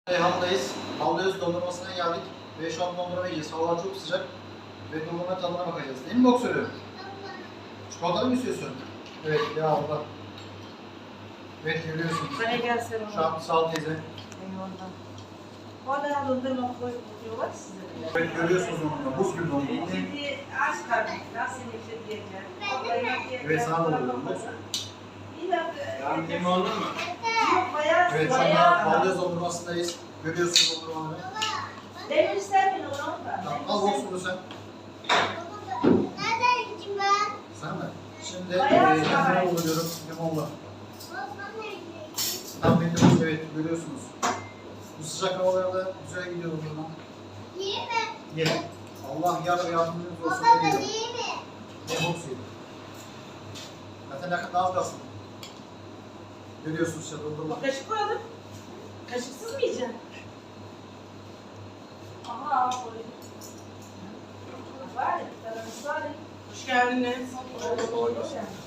Reyhan'dayız. Havluyuz dondurmasına geldik. Ve şu an dondurma yiyeceğiz. Hava çok sıcak. Ve dondurma tadına bakacağız. Değil mi boksörü? Çikolatalı mı istiyorsun? Evet, ya Allah. Evet, görüyorsunuz. Bana gelse Şu an sağ ol teyze. Eyvallah. Hala dondurma koyuyorlar size bile. Evet, görüyorsunuz dondurma. Buz gibi dondurma. Şimdi aç karnına seni bekleyeceğim. Evet, sana da oluyor. Bir dakika. Yani limonlu mu? Yok bayağı. Evet, şu anda havluyuz dondurmasındayız. Görüyorsunuz dondurmaları. Demir ister misin onu da? Tamam, al boksörü sen. Nereden gideyim ben? Sen mi? Şimdi Bayağı limon oluyorum. Limonla. Tam benim, evet, görüyorsunuz. Bu sıcak havalarda güzel gidiyor dondurma. İyi mi? Ye. Allah yar ve yardımcınız olsun. Baba Ne ben diyor? iyi mi? Ne boksu? Zaten yakında az kalsın. Görüyorsunuz işte dondurma. Kaşık koyalım. Kaşıksız mı yiyeceksin? Aha koydum. Var ya, var ya. Hoş geldiniz. Hoş bulduk.